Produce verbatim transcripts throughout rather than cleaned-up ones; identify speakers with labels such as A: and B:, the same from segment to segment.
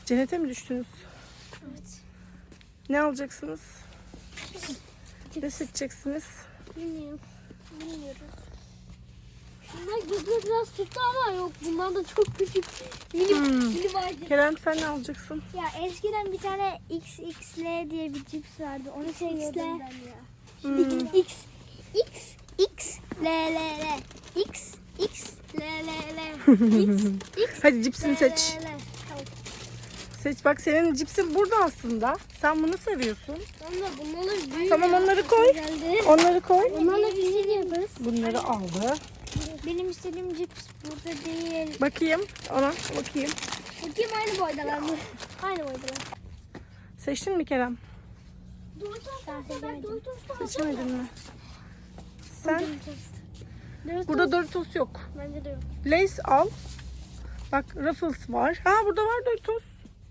A: Cennete mi düştünüz?
B: Evet.
A: Ne alacaksınız? Ne seçeceksiniz?
B: Bilmiyorum. Bilmiyoruz. Bunlar gözüne biraz tuttu ama yok. Bunlar da çok küçük. Mini,
A: Hmm.
B: mini vardı.
A: Kerem sen ne alacaksın?
C: Ya eskiden bir tane X X L diye bir cips vardı. Onu seviyordum ben ya.
A: Hmm.
C: X X X L L L X X L L L X X
A: Hadi cipsini seç.
C: L L L.
A: Seç bak, senin cipsin burada aslında. Sen bunu seviyorsun.
B: Onlar bunları büyük.
A: Tamam, onları koy.
C: Geldi.
A: Onları koy.
C: Onlarla bizi yaparız.
A: Bunları aldı.
C: Benim istediğim cips burada değil.
A: Bakayım ona, bakayım.
C: Bakayım aynı boydalar mı? Aynı boydalar.
A: Seçtin mi Kerem?
C: Ben seçemedim.
A: Seçmedin mi? Sen? Burada Doritos yok.
C: Bence de yok.
A: Lay's al. Bak Ruffles var. Ha, burada var Doritos.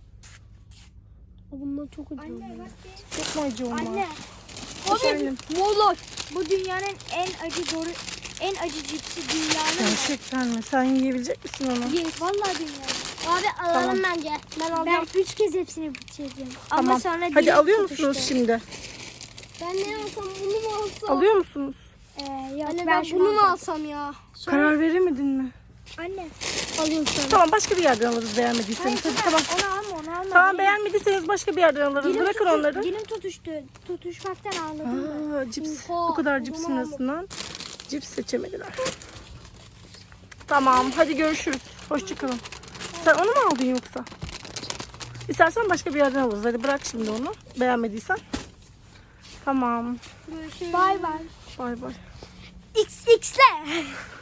B: Bunlar çok acı.
C: Anne bak.
A: Çok mu acı onlar?
C: Anne.
A: Efendim?
C: Molar. Bu dünyanın en acı doğru en acı cipsi dünyanın.
A: Gerçekten mi? Sen yiyebilecek misin onu?
C: Yes. Vallahi dünyanın. Abi alalım bence. Ben alacağım. Ben üç kez hepsini bitireceğim. Ama
A: Tamam.
C: sonra
A: Hadi
C: dilim
A: alıyor
C: tutuştu.
A: musunuz şimdi?
B: Ben ne alsam bunu mu alsam?
A: Alıyor musunuz?
C: Ee, yok,
B: Anne
C: ben,
B: ben
C: şunu
B: bunu mu
C: alacağım.
B: alsam ya?
A: Karar veremedin mi?
C: Anne.
B: Alıyorum sana.
A: Tamam, başka bir yerden alırız beğenmediyseniz. Hadi tamam.
C: Onu alma onu alma.
A: Tamam,
C: Dilim-
A: beğenmediyseniz başka bir yerden alırız.
C: dilim
A: Bırakın
C: tutu-
A: onları.
C: Dilim tutuştu. Tutuşmaktan ağladım ben.
A: Aa, cips.
B: Oha,
A: Bu kadar
B: o
A: cipsin
B: zaman
A: arasından cips seçemediler. Tamam, hadi görüşürüz. Hoşçakalın. Sen onu mu aldın yoksa? İstersen başka bir yerden alırız. Hadi bırak şimdi onu. Beğenmediysen. Tamam.
C: Bay bay.
A: Bay bay.
C: X X'le.